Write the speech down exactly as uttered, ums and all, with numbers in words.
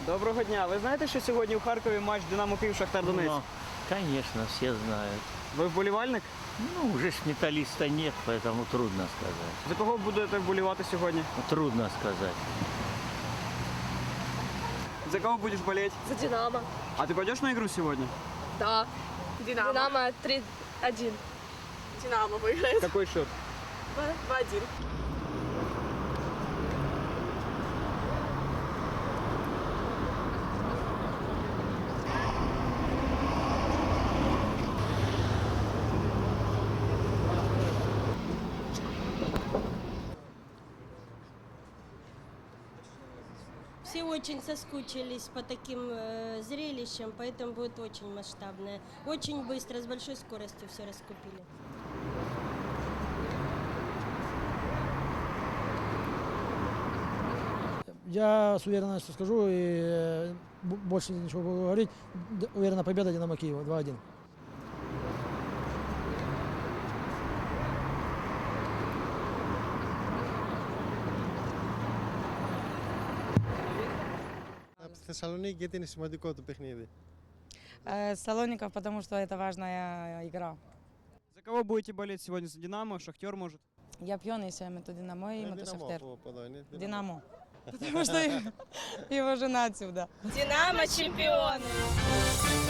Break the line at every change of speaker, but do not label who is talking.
Доброго дня. Ви знаєте, що сьогодні у Харкові матч Динамо Київ Шахтар Донецьк?
Ну, конечно, все знают.
Ви вболівальник?
Ну, уже ж металлиста нет, поэтому трудно сказать.
За кого будете вболівати сьогодні?
Ну, трудно сказать.
За кого будешь болеть?
За Динамо.
А ты пойдешь на игру сегодня?
Да. Динамо. Динамо три один. Динамо выиграет.
Какой счет?
два один.
Все очень соскучились по таким э, зрелищам, поэтому будет очень масштабное. Очень быстро, с большой скоростью все раскупили.
Я с уверенностью скажу и э, б- больше ничего буду говорить. Д- Уверена победа Динамо Киева два один.
Από τη Θεσσαλονίκη γιατί είναι σημαντικό το παιχνίδι.
Э, Салоников, потому что это важная игра.
За кого будете болеть сегодня? За Динамо, Шахтер, может?
Я пьяный, если это Динамо и
Είναι
это
δυναμό
Шахтер.
από από εδώ, είναι δυναμό.
Динамо. Потому что его жена отсюда.
Динамо чемпионы.